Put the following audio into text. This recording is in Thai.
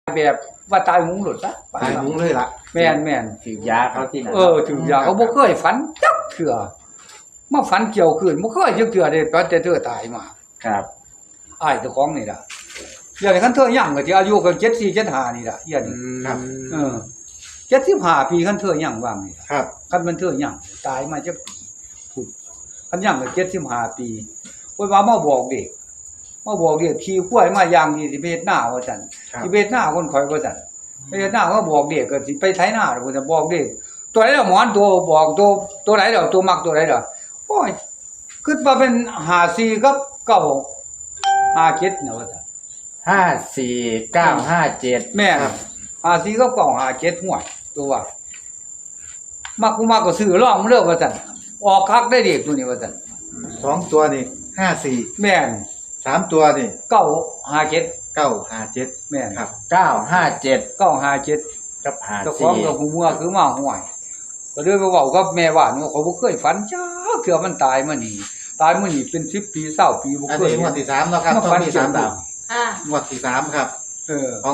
แบบว่าตายหุงหลุดซะตายมุ้งเลยล่ะแม่นถือยาเขาที่ไหนถือยาเขาบ่เคยฝันจักเทื่อมาฝันเกี่ยวคืนบ่เคยจักเทื่อเด้ตอนแต่เธอตายมาครับอ้ายเจ้าของนี่ล่ะอย่างนี้คันเธอยังก็สิอายุก็74 75นี่ล่ะเฮียนี่ครับ 75ปีคันเธอยังว่างนี่ล่ะครับคันมันเธอยังตายมาจักปีพูดคันยังก็75ปีโอ้ยว่ามาบอกเด็กขี่ควายมาอย่างดีสิไปเฮ็ดนาว่าซั่นครับสิไปเฮ็ดนาคนข่อยว่าซั่นไปเฮ็ดนาก็บอกเด็กก็สิไปไถนาเพิ่นจะบอกเด็กตัวไหนล่ะหมอนตัวบอกตัวไหนล่ะตัวมักตัวไหนล่ะโอ้ยคิดว่าเป็น54กับ957น่ะว่าซั่น 54957 แม่น54กับ957ห่วยตัวว่ามักกูมักก็ซื้อลองเด้อว่าซั่นออกคักได้เด็กตัวนี้ว่าซั่น 2 ตัวนี่54 แม่น 3 ตัวนี่ 957 957 แม่นครับ 957 957 กับเจ้าของกับหูเมื่อคือมาห่วยก็เลยไปเว้ากับแม่บ้านว่าเขาบ่เคยฝันจ้าเทื่อมันตายมานี่เป็น10ปี20ปีบ่อันเคยนี้งวดที่3เนาะครับมาต้อฝังนมีเกี่ยว 3ดาวงวดที่3ครับเออ